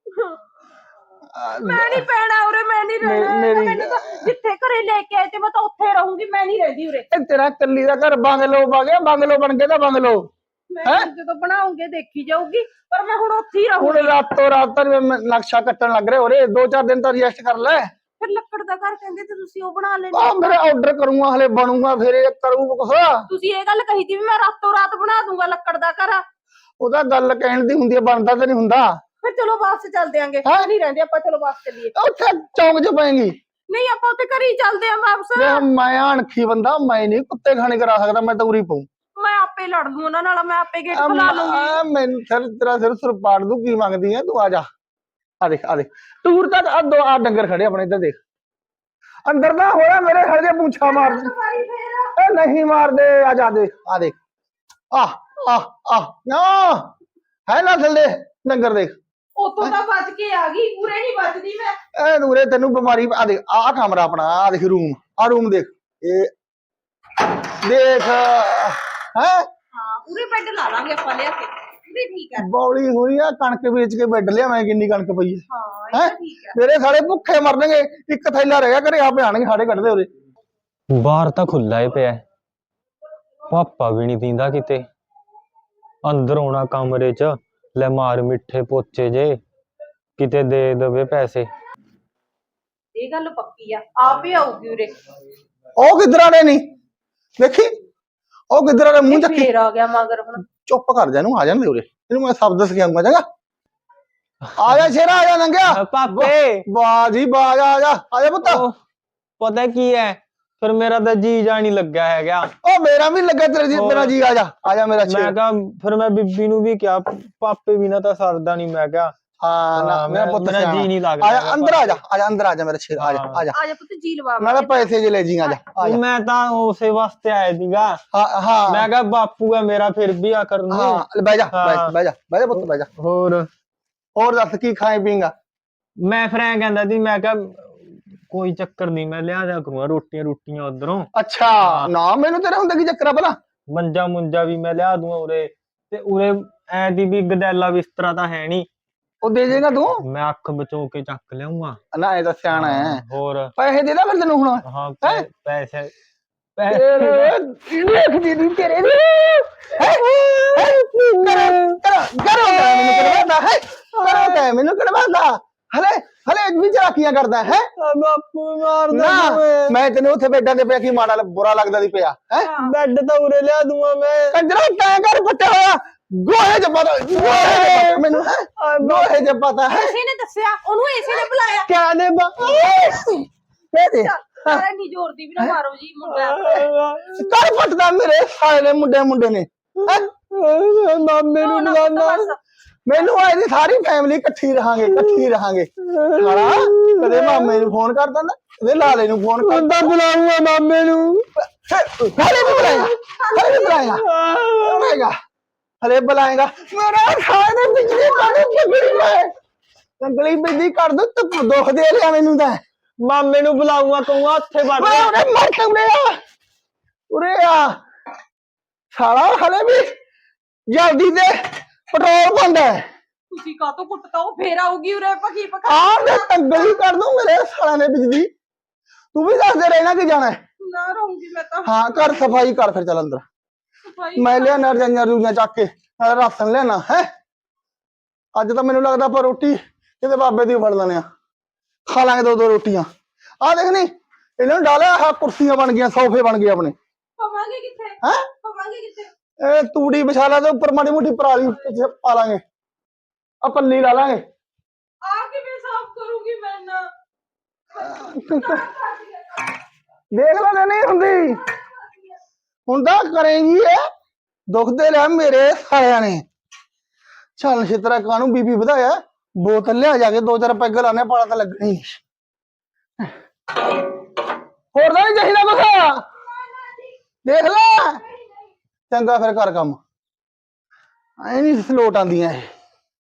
ਮੈਂ ਨਹੀਂ ਪੈਣਾ ਉਰੇ, ਮੈਂ ਨਹੀਂ ਰਹਿਣਾ। ਮੈਨੂੰ ਤਾਂ ਜਿੱਥੇ ਘਰੇ ਲੈ ਕੇ ਆਏ ਤੇ ਮੈਂ ਤਾਂ ਉੱਥੇ ਰਹੂੰਗੀ, ਮੈਂ ਨਹੀਂ ਰਹਿੰਦੀ ਉਰੇ।
ਇਹ ਤੇਰਾ ਕੱਲੀ ਦਾ ਘਰ ਬੰਗਲੋ ਪਾ ਗਿਆ, ਬੰਗਲੋ ਬਣ ਗਿਆ ਤਾਂ ਬੰਗਲੋ।
ਮੈਂ ਜਦੋਂ ਬਣਾਉਂਗੇ ਦੇਖੀ ਜਾਊਗੀ, ਪਰ ਮੈਂ ਹੁਣ ਉੱਥੇ ਹੀ
ਹੁਣ
ਰਹੂੰਗੀ।
ਰਾਤੋਂ ਰਾਤ ਤਾਂ ਨਕਸ਼ਾ ਕੱਟਣ ਲੱਗ ਰਿਹਾ ਉਰੇ। 2-4 ਦਿਨ ਤਾਂ ਐਡਜਸਟ ਕਰ ਲੈ।
ਫਿਰ ਲੱਕੜ ਦਾ ਘਰ ਕਹਿੰਦੇ ਤੇ ਤੁਸੀਂ ਉਹ ਬਣਾ ਲੈਂਦੇ।
ਆ ਮੇਰੇ ਆਰਡਰ ਕਰੂੰਗਾ, ਹਲੇ ਬਣੂਗਾ, ਫਿਰ ਇਹ ਕਰੂ ਕੁਛ।
ਤੁਸੀਂ ਇਹ ਗੱਲ ਕਹੀ ਸੀ ਵੀ ਮੈਂ ਰਾਤੋਂ ਰਾਤ ਬਣਾ ਦੂੰਗਾ ਲੱਕੜ ਦਾ ਘਰ।
ਉਹਦਾ ਗੱਲ ਕਹਿਣ ਦੀ ਹੁੰਦੀ ਹੈ, ਬਣਦਾ ਤਾਂ ਨਹੀਂ ਹੁੰਦਾ।
ਫਿਰ ਚਲੋ ਬੱਸ ਚ ਚੱਲਦੇ ਆਂਗੇ।
ਹੈਂ?
ਨਹੀਂ ਰਹਿੰਦੇ ਆਪਾਂ, ਚਲੋ ਬੱਸ ਚੱਲੀਏ।
ਉੱਥੇ ਚੌਂਕ 'ਚ ਪਏਗੀ।
ਨਹੀਂ ਆਪਾਂ ਉੱਥੇ ਘਰੇ ਹੀ ਚੱਲਦੇ ਆਂ ਵਾਪਸ।
ਦੇਖ ਮੈਂ ਅਣਖੀ ਬੰਦਾ, ਮੈਂ ਨਹੀਂ ਕੁੱਤੇ ਖਾਣੇ ਕਰਾ ਸਕਦਾ, ਮੈਂ ਤਾਂ ਉਰੀ ਪਊ।
ਮੈਂ ਆਪੇ ਲੜ ਲੂ ਉਹਨਾਂ ਨਾਲ, ਮੈਂ ਆਪੇ ਗੇਟ ਖੁਲਾ ਲੂੰਗੀ।
ਮੈਨੂੰ ਤੇਰਾ ਸਿਰ ਪਾੜ ਦੂ। ਕੀ ਮੰਗਦੀ ਹੈ ਤੂੰ? ਆ ਜਾ, ਆ ਦੇਖ ਟੂਰ ਤੱਕ ਆ ਡੰਗਰ ਖੜੇ ਆਪਣੇ ਇੱਧਰ ਦੇਖ। ਅੰਦਰ ਨਾ ਹੋਇਆ ਮੇਰੇ ਖੜੇ ਦੇ ਪੁੱਛਾ ਮਾਰ ਇਹ ਨਹੀਂ ਮਾਰਦੇ। ਆ ਜਾ ਦੇਖ, ਆ ਦੇਖ ਨਾ ਹੈ ਨਾ ਥੱਲੇ ਡੰਗਰ ਦੇਖ।
ਉੱਥੋਂ ਤਾਂ ਬਚ ਕੇ ਆ ਗਈ, ਉਰੇ ਨਹੀਂ ਬਚਦੀ ਮੈਂ।
ਇਹ ਨੂਰੇ ਤੈਨੂੰ ਬਿਮਾਰੀ। ਆ ਦੇਖ ਆ ਕਮਰਾ ਆਪਣਾ, ਆ ਦੇਖ ਰੂਮ, ਆ ਰੂਮ ਦੇਖ। ਇਹ ਦੇਖ ਹੈ
ਹਾਂ ਉਰੇ ਬੈੱਡ ਲਾ ਲਾਂਗੇ ਆਪਾਂ ਲਿਆ ਕੇ। ਉਰੇ ਠੀਕ ਹੈ।
ਬੌਲੀ ਹੋਈ ਆ, ਕਣਕ ਵੇਚ ਕੇ ਬੈੱਡ ਲਿਆ ਮੈਂ। ਕਿੰਨੀ ਕਣਕ ਪਈ ਹੈ।
ਹਾਂ ਇਹ ਤਾਂ ਠੀਕ ਹੈ।
ਮੇਰੇ ਸਾਲੇ ਭੁੱਖੇ ਮਰਨਗੇ। ਇੱਕ ਥੈਲਾ ਰਹਿ ਗਿਆ ਘਰੇ, ਆ ਪਿਆਣਗੇ ਸਾਡੇ ਕੱਢਦੇ ਉਹਦੇ।
ਬਾਹਰ ਤਾਂ ਖੁੱਲਾ ਹੀ ਪਿਆ, ਪਾਪਾ ਵੀ ਨਹੀਂ ਦਿੰਦਾ ਕਿਤੇ। ਅੰਦਰ ਆਉਣਾ ਕਮਰੇ 'ਚ, ਲੈ ਮਾਰ ਮਿੱਠੇ ਪੋਚੇ ਜੇ, ਕਿਤੇ ਦੇ ਦੇਵੇ ਪੈਸੇ।
ਇਹ ਗੱਲ ਪੱਕੀ ਆ, ਆਪ ਹੀ ਆਊਗੀ ਉਰੇ।
ਉਹ ਕਿੱਧਰ ਆ ਰਹੇ ਨਹੀਂ ਦੇਖੀ, ਉਹ ਕਿੱਧਰ ਆ ਰਹੇ ਮੂੰਹ ਚੱਕੀ।
ਫੇਰ ਆ ਗਿਆ ਮਗਰ ਹੁਣ।
ਚੁੱਪ ਕਰ ਜਾ, ਇਹਨੂੰ ਆ ਜਾਣ ਦੇ ਉਰੇ। ਇਹਨੂੰ ਮੈਂ ਸ਼ਬਦ ਸਿਖਾਉਂਗਾ। ਚੰਗਾ ਆ ਜਾ ਸ਼ੇਰਾ, ਆ ਜਾ ਨੰਗਿਆ।
ਪਾਪੇ
ਵਾਹ ਜੀ ਵਾਹ, ਆ ਜਾ ਪੁੱਤ।
ਪਤਾ ਕੀ ਹੈ, ਫਿਰ ਮੇਰਾ ਤਾਂ ਜੀ ਜਾ ਨਹੀਂ ਲੱਗਾ ਹੈਗਾ।
ਉਹ ਮੇਰਾ ਵੀ ਲੱਗਾ ਤੇਰੇ ਜੀ, ਮੇਰਾ ਜੀ। ਆ ਜਾ ਮੇਰਾ
ਮੈਂ
ਸ਼ੇਰ।
ਕਿਹਾ ਫਿਰ ਮੈਂ ਬੀਬੀ ਨੂੰ ਵੀ ਕਿਹਾ, ਪਾਪੇ ਬਿਨਾਂ ਤਾਂ ਸਰਦਾ ਨਹੀਂ। ਮੈਂ ਕਿਹਾ
ਹਾਂ ਨਾ ਮੇਰਾ ਪੁੱਤ
ਮੇਰਾ ਜੀ ਨਹੀਂ ਲੱਗਦਾ।
ਆ ਜਾ ਅੰਦਰ, ਅੰਦਰ ਆ ਜਾ ਮੇਰਾ ਸ਼ੇਰ। ਆ ਜਾ
ਆ ਜਾ ਪੁੱਤ ਜੀ ਲਵਾ।
ਨਾਲੇ ਪੈਸੇ ਜੇ ਲੈ ਜੀ। ਆ ਜਾ
ਮੈਂ ਤਾਂ ਉਸੇ ਵਾਸਤੇ ਆਇਆ ਸੀਗਾ।
ਹਾਂ
ਮੈਂ ਕਿਹਾ ਬਾਪੂ ਹੈ ਮੇਰਾ, ਫਿਰ ਵੀ ਆ ਕਰਨ ਨੂੰ।
ਹਾਂ ਬਹਿ ਜਾ ਪੁੱਤ, ਬਹਿ ਜਾ। ਹੋਰ ਦੱਸ ਕੀ ਖਾਏ ਪੀਂਗਾ?
ਮੈਂ ਫਿਰ ਐਂ ਕਹਿੰਦਾ ਸੀ, ਮੈਂ ਕਿਹਾ ਕੋਈ ਚੱਕਰ ਨਹੀਂ, ਮੈਂ ਲਿਆ ਜਾ ਕਰੂੰਗਾ ਰੋਟੀਆਂ ਉਧਰੋਂ।
ਅੱਛਾ ਨਾ, ਮੈਨੂੰ ਤੇਰੇ ਹੁੰਦੇ ਕੀ ਚੱਕਰ ਆ ਭਲਾ?
ਮੰਜਾ ਮੁੰਜਾ ਵੀ ਮੈਂ ਲਿਆ ਦੂੰਗਾ ਉਰੇ। ਤੇ ਉਰੇ ਐ ਦੀ ਵੀ ਗਦੈਲਾ ਬਿਸਤਰਾ ਤਾਂ ਹੈ ਨਹੀਂ।
ਉਹ ਦੇ ਦੇਗਾ ਤੂੰ?
ਮੈਂ ਅੱਖ ਬਚੋ ਕੇ ਚੱਕ ਲਿਆਉਂਗਾ।
ਨਾ ਇਹ ਤਾਂ ਸਿਆਣਾ ਹੈ।
ਹੋਰ
ਪੈਸੇ ਦੇ ਦਾ ਫਿਰ ਤੈਨੂੰ ਹੁਣ।
ਹਾਂ ਪੈਸੇ
ਦੇਖਦੀ ਨਹੀਂ ਤੇਰੇ ਨੂੰ। ਮੈਨੂੰ ਕਢਵਾਉਂਦਾ ਹਲੇ ਵੀ ਚਲਾਕੀਆਂ ਕਰਦਾ ਹੈ।
ਬਾਪੂ ਮਾਰਦਾ
ਨਾ ਮੈਂ ਤੈਨੂੰ ਉੱਥੇ ਬੈਠਾਂ ਦੇ ਪਿਆ ਕੀ ਮਾੜਾ ਬੁਰਾ ਲੱਗਦਾ ਦੀ ਪਿਆ ਹੈ।
ਬੈੱਡ ਤਾਂ ਉਰੇ ਲਿਆ ਦੂੰਗਾ ਮੈਂ।
ਕੰਜਰਾ ਤੈਂ ਕਰ ਪੱਟਿਆ ਹੋਇਆ ਗੋਹੇ ਚ ਪਤਾ, ਮੈਨੂੰ ਗੋਹੇ ਚ ਪਤਾ ਹੈ।
ਇਸੇ ਨੇ ਦੱਸਿਆ, ਉਹਨੂੰ ਇਸੇ ਨੇ ਬੁਲਾਇਆ।
ਕਿਆ ਨੇ ਦੇ
ਸਾਰਾ ਨਹੀਂ ਜ਼ੋਰ ਦੀ ਵੀ ਨਾ ਮਾਰੋ ਜੀ ਮੁੰਡਾ।
ਕਰ ਪੱਟਦਾ ਮੇਰੇ ਸਾਲੇ ਮੁੰਡੇ ਨੇ।
ਮਾਮੇ ਨੂੰ ਬੁਲਾਉਂਦਾ।
ਮੈਨੂੰ ਇਹਦੀ ਸਾਰੀ ਫੈਮਿਲੀ ਇਕੱਠੀ ਰਹਾਂਗੇ ਸਾਲਾ। ਕਦੇ ਮਾਮੇ ਨੂੰ ਫੋਨ ਕਰ ਦਿੰਦਾ, ਕਦੇ ਲਾਲੇ ਨੂੰ ਫੋਨ ਕਰਦਾ।
ਬੁਲਾਉਂਗਾ ਮਾਮੇ ਨੂੰ।
ਹਲੇ ਬੁਲਾਏਗਾ ਮੇਰਾ ਖਾਣੇ ਬਿਜਲੀ ਕੰਗਲੀ ਬਿਜਲੀ ਕਰ ਦੋ। ਤੂੰ ਦੁੱਖ ਦੇ ਲਿਆ ਮੈਨੂੰ ਤਾਂ।
ਮਾਮੇ ਨੂੰ ਬੁਲਾਉਂਗਾ, ਕਹੂੰਗਾ ਉੱਥੇ ਵੜ
ਉਰੇ ਆ ਸਾਲਾ। ਹਲੇ ਵੀ ਜਲਦੀ ਦੇ ਪੈਟਰੋਲ ਪਾਉਂਦਾ।
ਤੁਸੀਂ ਕਾਹਤੋਂ ਕੁੱਟਤਾ? ਉਹ ਫੇਰ ਆਊਗੀ ਉਰੇ। ਪਕੀ ਪਕਾ
ਆ ਮੈਂ ਕੰਗਲੀ ਕਰ ਦੂੰ ਮੇਰੇ ਸਾਲਾਂ ਨੇ ਬਿਜਲੀ। ਤੂੰ ਵੀ ਦੱਸਦੇ ਰਹਿਣਾ ਕਿ ਜਾਣਾ
ਨਾ ਰਹੂੰਗੀ ਮੈਂ ਤਾਂ।
ਹਾਂ ਕਰ ਸਫਾਈ ਕਰ, ਫਿਰ ਚੱਲ ਅੰਦਰ।
ਸਫਾਈ
ਮੈਂ ਲਿਆ ਰਜਾਈਆਂ ਰੂਈਆਂ ਚੱਕ ਕੇ ਰਾਸ਼ਨ ਲੈਣਾ ਹੈ। ਅੱਜ ਤਾਂ ਮੈਨੂੰ ਲੱਗਦਾ ਆਪਾਂ ਰੋਟੀ ਕਿਤੇ ਬਾਬੇ ਦੀ ਫੜ ਲੈਣੇ ਆ, ਖਾ ਲਾਂਗੇ ਦੋ ਦੋ ਰੋਟੀਆਂ। ਆ ਦੇਖ ਨੀ ਇਹਨਾਂ ਨੂੰ ਡਾਲਿਆ ਆਹ ਕੁਰਸੀਆਂ ਬਣ ਗਈਆਂ, ਸੋਫੇ ਬਣ ਗਏ ਆਪਣੇ।
ਪਵਾਂਗੇ ਕਿੱਥੇ?
ਹੈ
ਪਵਾਂਗੇ ਕਿੱਥੇ?
ਇਹ ਤੂੜੀ ਵਿਛਾ ਲਾ ਤੇ ਉੱਪਰ ਮਾੜੀ ਮੋਟੀ ਪਰਾਲੀ ਪਿੱਛੇ ਪਾ ਲਾਂਗੇ, ਆ ਪੱਲੀ ਲਾ ਲਾਂਗੇ।
ਆ ਕਿਵੇਂ ਸਾਫ਼ ਕਰੂੰਗੀ ਮੈਂ ਨਾ?
ਦੇਖ ਲੈ ਨਹੀਂ ਹੁੰਦੀ ਹੁਣ ਤਾਂ ਕਰੇਗੀ ਇਹ, ਦੁਖਦੇ ਲੈ ਮੇਰੇ ਸਾਲਿਆਂ ਨੇ। ਚੱਲ ਛਿੱਤਰਾ ਕਾਹਨੂੰ ਬੀਬੀ ਵਧਾਇਆ, ਬੋਤਲ ਲਿਆ ਜਾ ਕੇ 2-4 ਪੈਗ ਲਾਣੇ, ਪਾਲਾ ਤਾਂ ਲੱਗਣੀ। ਹੋਰ ਤਾਂ ਨਹੀਂ ਚਾਹੀਦਾ ਕੁਛ, ਦੇਖ ਲੈ। ਚੰਗਾ ਫਿਰ ਕਰ ਕੰਮ, ਐ ਨਹੀਂ ਸਲੋਟ ਆਉਂਦੀਆਂ ਇਹ।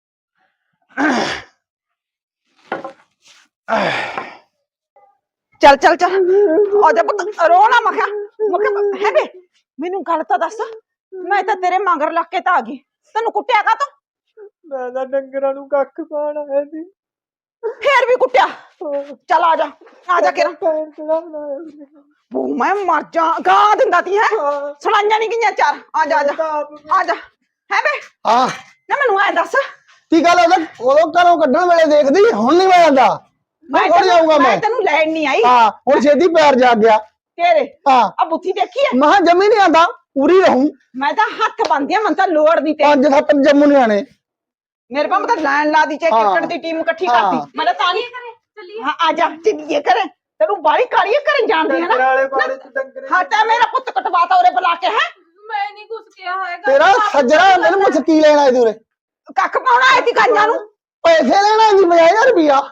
ਚੱਲ ਚੱਲ ਚੱਲ ਆ ਜਾ ਪੁੱਤ, ਰੋ ਨਾ। ਮਖਾ ਹੈ ਬੇ, ਮੈਨੂੰ ਗੱਲ ਤਾਂ ਦੱਸ, ਮੈਂ ਤਾਂ ਤੇਰੇ ਮਗਰ ਲੱਗ ਕੇ ਤਾਂ ਆ ਗਈ, ਤੈਨੂੰ ਕੁੱਟਿਆ ਕਾ ਤੂੰ?
ਮੈਂ ਤਾਂ ਡੰਗਰਾਂ ਨੂੰ ਕੱਖ ਪਾਣ ਆਇਆ ਸੀ।
ਫੇਰ ਵੀ ਕੁੱਟਿਆ? ਚੱਲ ਆ ਜਾ, ਆ ਜਾ ਕਿਰਾ।
ਪੈਰ ਕਿਹੜਾ ਬਣਾਇਆ ਸੀ?
ਬੂ ਮੈਂ ਮਰ ਜਾ, ਗਾਂ ਦਿੰਦਾ ਤੀ ਹੈ, ਸੁਣਾਈਆਂ ਨਹੀਂ ਗਈਆਂ ਚਾਰ। ਆ ਜਾ ਆ ਜਾ ਆ ਜਾ। ਹੈ ਬੇ
ਹਾਂ
ਨਾ, ਮੈਨੂੰ ਐ ਦੱਸ,
ਕੀ ਗੱਲ ਉਦੋਂ ਘਰੋਂ ਕੱਢਣ ਵੇਲੇ ਦੇਖਦੀ, ਹੁਣ ਨਹੀਂ ਮੈਂ ਜਾਂਦਾ। ਮੈਂ ਥੋੜੀ ਜਾਊਂਗਾ
ਮੈਂ ਤੈਨੂੰ ਲੈਣ ਨਹੀਂ ਆਈ।
ਹਾਂ ਹੁਣ ਛੇਤੀ ਪੈਰ ਜਾਗ ਗਿਆ
ਤੇਰੇ
ਹਾਂ।
ਆ ਬੁੱਥੀ ਦੇਖੀ ਐ?
ਮਹਾ ਜੰਮੀ ਨਹੀਂ ਆਂਦਾ, ਪੂਰੀ ਰਹੂੰ।
ਮੈਂ ਤਾਂ ਹੱਥ ਬੰਨਦੀ ਆ, ਮੈਨੂੰ ਤਾਂ ਲੋੜ ਨਹੀਂ ਤੇ
5-7 ਜੰਮੂ ਨਹੀਂ ਆਣੇ।
ਮੇਰੇ ਪਾਸ ਤਾਂ ਲੈਣ ਲਾ ਦੀ, ਚਾਹੇ
ਹਾਂ।
ਕ੍ਰਿਕਟ ਦੀ ਟੀਮ ਇਕੱਠੀ
ਹਾਂ।
ਕਰਦੀ, ਮੈਂ ਤਾਂ ਨਹੀਂ।
ਚੱਲੀਏ।
ਹਾਂ ਆ ਜਾ, ਚੱਲੀਏ ਕਰੇ। ਤੈਨੂੰ ਬਾਲੀ ਕਾਲੀ ਕਰਨ ਜਾਣਦੀ ਹੈ
ਡੰਗਰ
ਨਾ।
ਵਾਲੇ ਬਾੜੇ ਚ ਡੰਗਰੇ
ਹਾਂ ਤਾਂ ਮੇਰਾ ਪੁੱਤ ਕਟਵਾਤਾ ਉਰੇ ਬੁਲਾ ਕੇ। ਹੈ
ਮੈਂ ਨਹੀਂ ਕੁਝ ਕਿਹਾ ਹੈਗਾ।
ਤੇਰਾ ਸੱਜਣਾ ਤੈਨੂੰ ਪੁੱਛ ਕੀ ਲੈਣਾ ਇਹਦੇ ਉਰੇ?
ਕੱਖ ਪਾਉਣਾ ਆਈ ਸੀ ਗਾਈਆਂ ਨੂੰ।
ਪੈਸੇ ਲੈਣਾ ਜੀ 50,000 ਰੁਪਇਆ।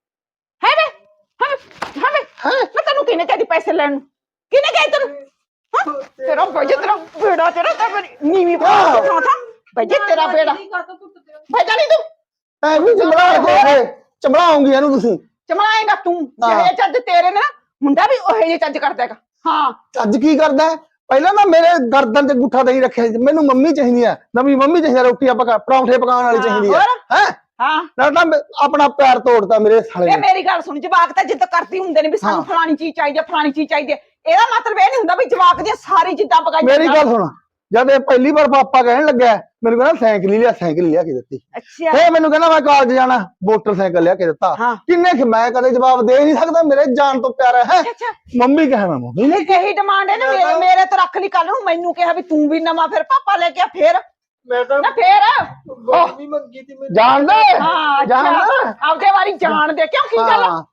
ਹੈ ਵੇ ਹਾਂ ਵੇ ਮੈਂ ਤੈਨੂੰ ਕਿਹਨੇ ਕਹਿੰਦੀ ਪੈਸੇ ਲੈਣ ਨੂੰ? ਕਿਹਨੇ ਕਹੀ ਤੈਨੂੰ? ਹਾਂ ਤੇਰਾ ਬਜੇ, ਤੇਰਾ ਬੇੜਾ, ਤੇਰਾ ਤਾਂ ਨੀਵੀਂ ਪਾ ਥਾਂ ਥਾਂ ਬਜੇ, ਤੇਰਾ ਬੇੜਾ ਭਜਾ ਨਹੀਂ ਤੂੰ।
ਐ ਵੀ ਚਮੜਾ ਕੇ ਚਮੜਾਉਂਗੀ ਇਹਨੂੰ ਤੁਸੀਂ।
ਚਮਲਾਏਗਾ ਤੂੰ,
ਹਾਂ।
ਜਿਹੇ ਚੱਜ ਤੇਰੇ ਨੇ, ਮੁੰਡਾ ਵੀ ਉਹੇ ਜਿਹੇ ਚੱਜ ਕਰਦਾ ਹੈਗਾ। ਹਾਂ
ਅੱਜ ਕੀ ਕਰਦਾ ਹੈ? ਪਹਿਲਾਂ ਤਾਂ ਮੇਰੇ ਗਰਦਨ ਤੇ ਗੁੱਠਾ ਨਹੀਂ ਰੱਖਿਆ ਸੀ। ਮੈਨੂੰ ਮੰਮੀ ਚਾਹੀਦੀ ਹੈ, ਨਵੀਂ ਮੰਮੀ ਚਾਹੀਦੀ ਹੈ, ਰੋਟੀਆਂ ਪਕਾ ਪਰੌਂਠੇ ਪਕਾਉਣ ਵਾਲੀ ਚਾਹੀਦੀ ਹੈ। ਹੈ
ਹਾਂ
ਨਾ ਤਾਂ ਆਪਣਾ ਪੈਰ ਤੋੜਤਾ ਮੇਰੇ ਸਾਲੇ
ਇਹ
ਨੇ।
ਮੇਰੀ ਗੱਲ ਸੁਣ, ਜਵਾਕ ਤਾਂ ਜਿੱਦ ਕਰਦੀ ਹੁੰਦੇ ਨੇ ਵੀ ਸਾਨੂੰ
ਹਾਂ।
ਫਲਾਣੀ ਚੀਜ਼ ਚਾਹੀਦੀ ਹੈ, ਫਲਾਣੀ ਚੀਜ਼ ਚਾਹੀਦੀ ਹੈ। ਇਹਦਾ ਮਤਲਬ ਇਹ ਨਹੀਂ ਹੁੰਦਾ ਵੀ ਜਵਾਕ ਦੀਆਂ ਸਾਰੀ ਜਿੱਦਾਂ ਪਕਾਈ
ਮੇਰੀ ਗੱਲ ਸੁਣ, ਜਦ ਇਹ ਪਹਿਲੀ ਵਾਰ ਪਾਪਾ ਕਹਿਣ ਲੱਗਿਆ, ਮੈਨੂੰ ਕਹਿੰਦਾ ਸਾਈਕਲ ਹੀ ਲਿਆ, ਸਾਈਕਲ ਲਿਆ ਕੇ ਦਿੱਤੀ।
ਅੱਛਾ
ਫੇਰ ਮੈਨੂੰ ਕਹਿੰਦਾ ਮੈਂ ਕਾਲਜ ਜਾਣਾ, ਮੋਟਰਸਾਈਕਲ ਲਿਆ ਕੇ ਦਿੱਤਾ।
ਹਾਂ।
ਕਿੰਨੇ ਮੈਂ ਕਦੇ ਜਵਾਬ ਦੇ ਨਹੀਂ ਸਕਦਾ, ਮੇਰੇ ਜਾਨ ਤੋਂ ਪਿਆਰਾ ਹੈ।
ਅੱਛਾ
ਮੰਮੀ ਕਹਿਣਾ ਮੰਮੀ ਨੇ
ਇਹੀ ਡਿਮਾਂਡ ਹੈ ਨਾ ਮੇਰੇ ਤੋਂ ਰੱਖ ਲਈ। ਕੱਲ ਨੂੰ ਮੈਨੂੰ ਕਿਹਾ ਵੀ ਤੂੰ ਵੀ ਨਵਾਂ ਫਿਰ ਪਾਪਾ ਲੈ ਕੇ ਆ, ਫੇਰ
ਮੈਂ ਤਾਂ
ਨਾ ਫੇਰ
ਗੋਲੀ ਮੰਗੀ ਤੀ ਮੈਨੂੰ।
ਜਾਣਦਾ
ਹਾਂ
ਜਾਣਦਾ।
ਆਪਦੇ ਵਾਰੀ ਜਾਣ ਦੇ, ਕਿਉਂ ਕੀ ਗੱਲ?
ਹਾਂ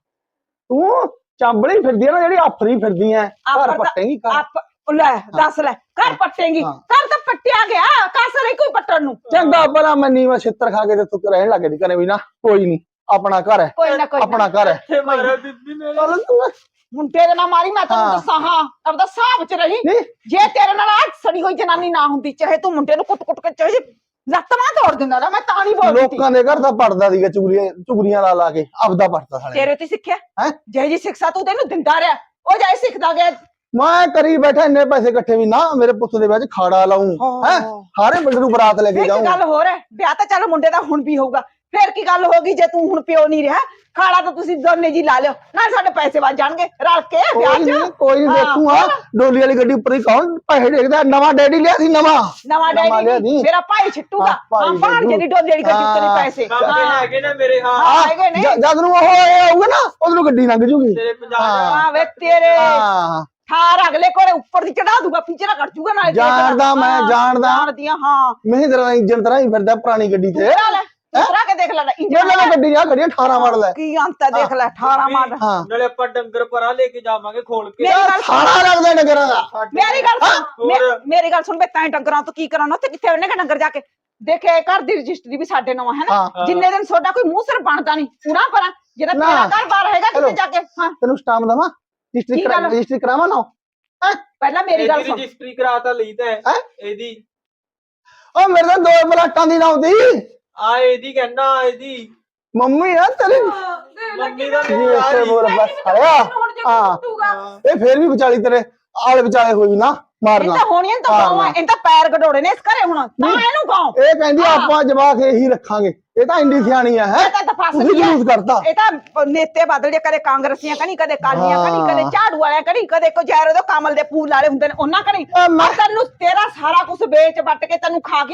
ਤੂੰ ਚਾਂਬਲੀ ਫਿਰਦੀ ਆ ਨਾ, ਜਿਹੜੀ ਆਫਰੀ ਫਿਰਦੀ ਐ, ਘਰ ਪੱਟੇਗੀ ਘਰ।
ਆਪ ਲੈ ਦੱਸ ਲੈ, ਘਰ ਪੱਟੇਗੀ?
ਹਾਂ।
ਘਰ ਤਾਂ ਪੱਟਿਆ ਗਿਆ, ਕਾਸਰ ਹੀ ਕੋਈ ਪੱਟਣ ਨੂੰ।
ਚੰਗਾ ਭਲਾ ਮੰਨੀ ਮੈਂ ਛਿੱਤਰ ਖਾ ਕੇ ਤੇ ਤੂੰ ਰਹਿਣ ਲੱਗ ਗਈ ਕਰੇ ਵੀ ਨਾ, ਕੋਈ ਨਹੀਂ ਆਪਣਾ ਘਰ ਹੈ,
ਕੋਈ ਨਾ ਕੋਈ
ਆਪਣਾ ਘਰ ਹੈ।
ਇੱਥੇ ਮਾਰਿਆ ਬੀਬੀ ਮੇਰੇ।
ਚੱਲ ਤੂੰ
ਮੁੰਡੇ ਦੇ ਨਾਲ ਮਾਰੀ, ਮੈਂ ਤੈਨੂੰ
ਹਾਂ।
ਦੱਸਾਂ। ਹਾਂ ਆਪਦਾ ਹਿਸਾਬ ਚ ਰਹੀ।
ਨਹੀਂ
ਜੇ ਤੇਰੇ ਨਾਲ ਆ ਸੜੀ ਹੋਈ ਜਨਾਨੀ ਨਾ ਹੁੰਦੀ, ਚਾਹੇ ਤੂੰ ਮੁੰਡੇ ਨੂੰ ਕੁੱਟ-ਕੁੱਟ ਕੇ ਚਾਹੇ ਲੱਤ ਮਾਂ ਤੋੜ ਦਿੰਦਾ ਨਾ, ਮੈਂ ਤਾਂ ਨਹੀਂ ਬੋਲਦੀ।
ਲੋਕਾਂ ਦੇ ਘਰ ਤਾਂ ਪੜਦਾ ਸੀਗਾ, ਚੁਗਲੀਆਂ ਲਾ ਲਾ ਕੇ ਆਪਦਾ ਪੜਦਾ ਸਾਲੇ।
ਤੇਰੇ ਤੇ ਸਿੱਖਿਆ
ਹੈਂ?
ਜਿਹੇ ਜੀ ਸਿੱਖਿਆ ਤੂੰ ਤੈਨੂੰ ਦਿੰਦਾ ਰਿਹਾ, ਉਹ ਜਾਈ ਸਿੱਖਦਾ ਗਿਆ।
ਮੈਂ ਕਰੀ ਬੈਠਾ, ਇੰਨੇ ਪੈਸੇ ਇਕੱਠੇ ਵੀ ਨਾ ਮੇਰੇ ਪੁੱਤ ਦੇ ਵਿੱਚ ਖਾੜਾ ਲਾਉਂ ਹੈ, ਸਾਰੇ ਪਿੰਡ ਨੂੰ ਬਰਾਤ ਲੈ ਕੇ
ਇੱਕ
ਜਾਊਂ।
ਗੱਲ ਹੋਰ ਹੈ, ਵਿਆਹ ਤਾਂ ਚੱਲ ਮੁੰਡੇ ਦਾ ਹੁਣ ਵੀ ਹੋਊਗਾ, ਫੇਰ ਕੀ ਗੱਲ ਹੋਗੀ ਜੇ ਤੂੰ ਹੁਣ ਪਿਓ ਨਹੀਂ ਰਿਹਾ? ਖਾੜਾ ਤਾਂ ਤੁਸੀਂ ਦੋਨੇ ਜੀ ਲਾ ਲਿਓ, ਨਾਲ ਸਾਡੇ ਪੈਸੇ ਵੱਜ ਜਾਣਗੇ ਰਲ ਕੇ ਵਿਆਹ ਚ।
ਕੋਈ ਨਹੀਂ
ਹਾਂ,
ਦੇਖੂਗਾ,
ਹੋਰ?
ਡੋਲੀ ਵਾਲੀ ਗੱਡੀ ਉੱਪਰ ਹੀ ਕੌਣ ਪੈਸੇ ਦੇਖਦਾ? ਨਵਾਂ ਡੈਡੀ ਲਿਆ ਸੀ, ਨਵਾਂ
ਨਵਾਂ
ਲਿਆ
ਡੈਡੀ
ਸੀ।
ਮੇਰਾ ਭਾਈ ਛਿੱਟੂਗਾ।
ਹਾਂ, ਭਾਈ
ਹਾਂ ਭਾਣ ਜਿਹੜੀ ਡੋਲੀ ਵਾਲੀ ਗੱਡੀ ਉੱਤੇ
ਹਾਂ।
ਪੈਸੇ।
ਬਾਬੇ ਹੈਗੇ ਨਾ ਮੇਰੇ। ਹਾਂ
ਹਾਂ ਹੈਗੇ ਨੇ।
ਜਦ ਨੂੰ ਉਹ ਆਊਗਾ ਨਾ, ਉਦੋਂ ਗੱਡੀ ਲੰਘ ਜੂਗੀ।
ਤੇਰੇ 50
ਹਾਂ ਵੇ ਤੇਰੇ
ਹਾਂ
ਥਾਰ ਅਗਲੇ ਕੋਲੇ ਉੱਪਰ ਦੀ ਚੜਾ ਦੂਗਾ, ਪਿੱਛੇ ਕੱਟ ਜੂਗਾ ਨਾਲ।
ਜਾਣਦਾ ਮੈਂ, ਜਾਣਦਾ।
ਜਾਣਦੀਆਂ ਹਾਂ।
ਮੈਂ ਤੇਰਾ ਇੰਜਨ ਤਰ੍ਹਾਂ ਹੀ ਫਿਰਦਾ ਪੁਰਾਣੀ ਗੱਡੀ ਤੇ।
ਉਤਰਾ ਕੇ ਦੇਖ ਲੈ
ਇਹ ਨਵੀਂ ਗੱਡੀ ਆ, ਗੱਡੀਆਂ 18 ਮਾਡਲ ਹੈ।
ਕੀ ਅੰਤ ਹੈ ਦੇਖ ਲੈ, 18 ਮਾਡਲ।
ਹਾਂ
ਨਾਲੇ ਆਪਾਂ ਡੰਗਰ ਪਰਾਂ ਲੈ ਕੇ ਜਾਵਾਂਗੇ ਖੋਲ ਕੇ।
ਮੇਰੀ ਗੱਲ ਸੁਣ,
ਸਾਰਾ ਲੱਗਦਾ ਨਗਰਾਂ ਦਾ।
ਮੇਰੀ ਗੱਲ ਸੁਣ,
ਹੋਰ?
ਮੇਰੀ ਗੱਲ ਸੁਣ ਬੇ, ਤੈਂ ਡੰਗਰਾਂ ਤੋਂ ਕੀ ਕਰਾਉਣਾ? ਉੱਥੇ ਕਿੱਥੇ ਉਹਨੇ ਡੰਗਰ ਜਾ ਕੇ ਦੇਖੇ? ਘਰ ਦੀ ਰਜਿਸਟਰੀ ਵੀ ਸਾਡੇ ਨਾਮ ਹੈ ਨਾ।
ਹਾਂ।
ਜਿੰਨੇ ਦਿਨ ਤੁਹਾਡਾ ਕੋਈ ਮੂੰਹ ਸਿਰ ਬਣਦਾ ਨਹੀਂ ਪੂਰਾ ਪਰਾਂ, ਜਿਹੜਾ
ਨਾ।
ਤੇਰਾ ਘਰ ਬਾਹਰ ਹੈਗਾ ਕਿਤੇ ਜਾ ਕੇ। ਹਾਂ
ਤੈਨੂੰ ਸਟਾਮ ਦਵਾਂ,
ਕੀ ਗੱਲ?
ਰਜਿਸਟਰੀ ਕਰਾਵਾਂ ਨਾ?
ਪਹਿਲਾਂ ਮੇਰੀ ਗੱਲ ਸੁਣ।
ਰਜਿਸਟਰੀ ਕਰਾਤਾ ਲਈ ਤਾਂ
ਹੈਂ?
ਇਹਦੀ।
ਉਹ ਮੇਰੇ ਤਾਂ 2 ਪਲਾਟਾਂ ਦੀ ਨਾਉਂਦੀ
ਆ ਇਹਦੀ ਕਹਿੰਦਾ, ਇਹਦੀ
ਮੰਮੀ ਆ ਤੇਰੀ।
ਮੰਮੀ ਦਾ
ਜੀ ਇਸੇ ਬੋਲ ਬਸ ਆਇਆ। ਹਾਂ ਇਹ ਫੇਰ ਵੀ ਵਿਚਾਲੀ ਤੇਰੇ ਆਲੇ ਵਿਚਾਲੇ ਹੋਈ ਨਾ
ਇਹ
ਮਾਰਨਾ।
ਤਾਂ ਹੋਣੀਆਂ ਤਾਂ ਗਾਵਾਂ, ਇਹ ਤਾਂ ਪੈਰ ਗਡੋੜੇ ਨੇ ਇਸ ਘਰੇ ਹੁਣ, ਤਾਂ ਇਹਨੂੰ ਗਾਉ।
ਇਹ ਕਹਿੰਦੀ ਆਪਾਂ ਜਵਾਕ ਇਹੀ ਰੱਖਾਂਗੇ, ਇਹ ਤਾਂ ਇੰਡੀ ਸਿਆਣੀ ਆ ਹੈ।
ਇਹ ਤਾਂ ਫਸ
ਤੁਸੀਂ
ਗਈ ਹੈ।
ਜਲੂਸ ਕਰਤਾ।
ਇਹ ਤਾਂ ਨੇਤੇ ਬਦਲ ਜੇ, ਕਦੇ ਕਾਂਗਰਸੀਆਂ ਕਣੀ, ਕਦੇ ਕਾਲੀਆਂ ਕਣੀ,
ਹਾਂ।
ਕਦੇ ਝਾੜੂ ਵਾਲਿਆਂ ਕਣੀ, ਕਦੇ ਕੋ ਜੈਰੋ ਦੇ ਕਮਲ ਦੇ ਫੂਲ ਵਾਲੇ ਹੁੰਦੇ ਨੇ ਉਹਨਾਂ ਕਣੀ।
ਮੈਂ-
ਤੈਨੂੰ ਤੇਰਾ ਸਾਰਾ ਕੁਝ ਵੇਚ ਵੱਟ ਕੇ ਤੈਨੂੰ ਖਾ ਗਈ ਨਾ,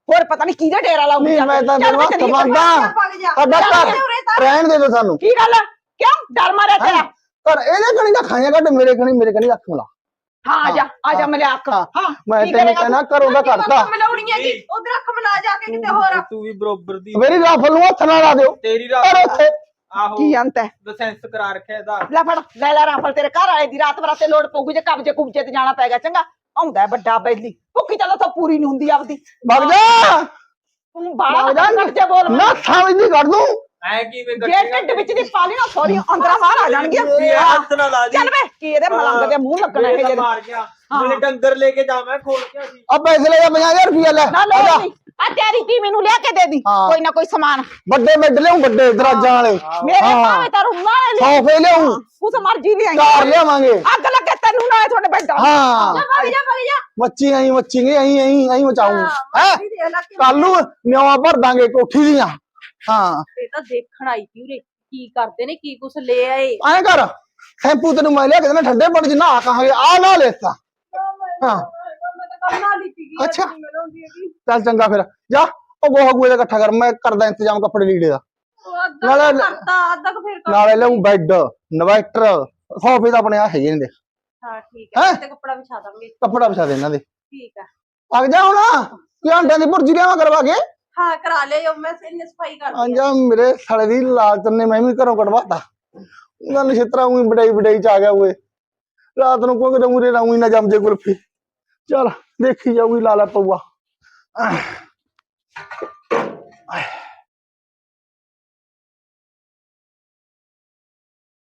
ਹੋਰ ਪਤਾ ਨਹੀਂ ਕਿਹਦਾ ਡੇਰਾ ਲਾਉਂਦੀ
ਨਹੀਂ ਮੈਂ ਤਾਂ ਤੈਨੂੰ ਹੱਥ ਮੰਗਦਾ ਸਾਡਾ ਘਰ ਰਹਿਣ ਦੇ ਦੋ ਸਾਨੂੰ
ਕੀ ਗੱਲ ਆ? ਕਿਉਂ ਡਰ ਮਾਰਿਆ ਤੇਰਾ?
ਪਰ ਇਹਦੇ ਕਣੀ ਦਾ ਖਾਇਆ ਕੱਢ ਮੇਰੇ ਕਣੀ ਅੱਖ ਮਿਲਾ
ਹਾਂ ਆ ਜਾ ਮਲਿਆਕ ਹਾਂ
ਮੈਂ
ਕੀ
ਤੈਨੂੰ
ਕਰੇਗਾ
ਕਹਿਣਾ ਘਰੋਂ ਦਾ ਕਰਤਾ
ਮਿਲਾਉਣੀ ਹੈਗੀ ਉਧਰ ਅੱਖ ਮਿਲਾ ਜਾ ਕੇ ਕਿਤੇ ਹੋਰ
ਤੂੰ ਵੀ ਬਰੋਬਰ ਦੀ
ਮੇਰੀ ਰਾਫਲ ਨੂੰ ਹੱਥ ਨਾ ਲਾ ਦਿਓ
ਤੇਰੀ
ਪਰ
ਰਾਤ
ਉੱਥੇ
ਆਹੋ
ਕੀ ਅੰਤ ਹੈ?
ਲਾਇਸੈਂਸ ਕਰਾ ਰੱਖਿਆ ਇਹਦਾ
ਲੈ ਫੜ ਲੈ ਰਾਫਲ ਤੇਰੇ ਘਰ ਵਾਲੇ ਦੀ ਰਾਤ ਬਰਾਤੇ ਲੋੜ ਪਊਗੀ ਜੇ ਕਬਜੇ ਕੁਬਜੇ ਤੇ ਜਾਣਾ ਪੈ ਗਿਆ ਚੰਗਾ ਆਉਂਦਾ ਵੱਡਾ ਬੈਲੀ ਭੁੱਖੀ ਤਾਂ ਪੂਰੀ ਨਹੀਂ ਹੁੰਦੀ ਆਪਦੀ
ਵਗ ਜਾ
ਤੂੰ ਬਾਹਰ ਕੱਢ ਜੇ ਬੋਲ
ਨਾ ਸਮਝਦੀ ਕੱਢ ਦੂੰ
ਐ ਕਿਵੇਂ
ਜੇ ਢਿੱਡ ਵਿੱਚ ਦੀ ਪਾਲੀ ਨਾ ਸੋਰੀ ਅੰਦਰਾਂ ਬਾਹਰ ਆ ਜਾਣਗੀਆਂ
ਹੱਥ ਨਾ ਲਾ ਦੀ
ਚੱਲ ਵੇ ਕੀ ਇਹਦੇ ਮਲੰਗ ਦੇ ਮੂੰਹ ਲੱਗਣਾ ਇਹ ਜਿਹੜੇ
ਮਾਰ ਗਿਆ ਮੇਰੇ ਡੰਗਰ ਲੈ ਕੇ ਜਾਵਾਂ ਖੋਲ ਕੇ ਅਸੀਂ
ਆ ਪੈਸੇ ਲੈ ਜਾ 50000 ਰੁਪਇਆ ਲੈ
ਨਾ ਲੋੜ ਨਹੀਂ ਆ ਤੇਰੀ ਟੀ ਮੈਨੂੰ ਲਿਆ ਕੇ ਦੇ ਦੀ
ਹਾਂ।
ਕੋਈ ਨਾ ਕੋਈ ਸਮਾਨ
ਵੱਡੇ ਬੈੱਡ ਲਿਆਉਂ ਵੱਡੇ ਦਰਾਜਾਂ ਵਾਲੇ
ਮੇਰੇ
ਹਾਂ।
ਭਾਵੇਂ ਤਾਂ ਰੁਮਾਲ ਲੈ
ਸੋਫੇ ਲਿਆਉਂ
ਉਸ ਮਰਜੀ ਦੀ ਆਈ
ਕਾਰ ਲਿਆਵਾਂਗੇ
ਅੱਗ ਲੱਗੇ ਤੈਨੂੰ ਨਾ ਤੁਹਾਡੇ ਬੈੱਡ
ਹਾਂ
ਭਗ ਜਾ
ਮੱਚੀ ਆਈ ਮਚਾਉਂ ਹੈ ਕੱਲ ਨੂੰ ਨਿਆਵਾ ਭਰ ਦਾਂਗੇ ਕੋਠੀ ਦੀਆਂ ਹਾਂ
ਇਹ ਤਾਂ ਦੇਖਣ ਆਈ ਸੀ ਉਰੇ ਕੀ ਕਰਦੇ ਨੇ ਕੀ ਕੁਛ ਲੈ ਆਏ
ਐਂ ਕਰ ਸ਼ੈਂਪੂ ਤੈਨੂੰ ਮੈਂ ਲਿਆ ਕੇ ਦੇਣਾ ਠੰਡੇ ਪਾਣੀ ਚ ਨਹਾ ਕਹਾਂਗੇ ਆ ਨਾ ਲੈਤਾ ਹਾਂ
ਮੈਂ ਤਾਂ ਕੰਮ ਨਾ ਲੀਤੀ ਗਈ
ਅੱਛਾ।
ਮਿਲਾਉਂਦੀ ਹੈਗੀ
ਚੱਲ ਚੰਗਾ ਫਿਰ ਜਾ ਉਹ ਗੋਹਾ ਗੂਏ ਦਾ ਇਕੱਠਾ ਕਰ ਮੈਂ ਕਰਦਾ ਇੰਤਜ਼ਾਮ ਕੱਪੜੇ ਲੀੜੇ ਦਾ
ਉਹ ਅੱਧਾ
ਨਾਲੇ-
ਕੁ ਕਰਤਾ ਅੱਧਾ ਕੁ ਫਿਰ ਕਰ
ਨਾਲੇ ਲਿਆਉਂ ਬੈੱਡ ਇਨਵਰਟਰ ਸੋਫੇ ਤਾਂ ਆਪਣੇ ਆ ਹੈਗੇ ਨੇ ਦੇ
ਹਾਂ ਠੀਕ
ਹੈਂ?
ਹੈ ਤੇ ਕੱਪੜਾ ਵਿਛਾ ਦਾਂਗੇ
ਕੱਪੜਾ ਵਿਛਾ ਦੇ ਇਹਨਾਂ ਦੇ
ਠੀਕ ਹੈ
ਆ ਜਾ ਹੁਣ ਕੀ ਅੰਡਿਆਂ ਦੀ ਭੁਰਜੀ ਲਿਆਵਾਂ ਕਰਵਾ ਕੇ
ਹਾਂ ਕਰਾ ਲਿਓ ਮੈਂ ਇੰਨੀ ਸਫਾਈ ਕਰ
ਆ ਜਾ ਮੇਰੇ ਸਾਲੇ ਦੀ ਲਾਲਚ ਨੇ ਮੈਂ ਵੀ ਘਰੋਂ ਕਢਵਾਤਾ ਉਹਨਾਂ ਨੇ ਛਿੱਤਰਾ ਉਹੀ ਵਡਾਈ ਚ ਆ ਗਿਆ ਓਏ ਰਾਤ ਨੂੰ ਕੋਈ ਮੂਰੇ ਨਾ ਉਹੀ ਨਾ ਜੰਮ ਜੇ ਕੁਲਫੀ ਚੱਲ ਦੇਖੀ ਜਾਊਗੀ ਲਾਲਾ ਪਊਆ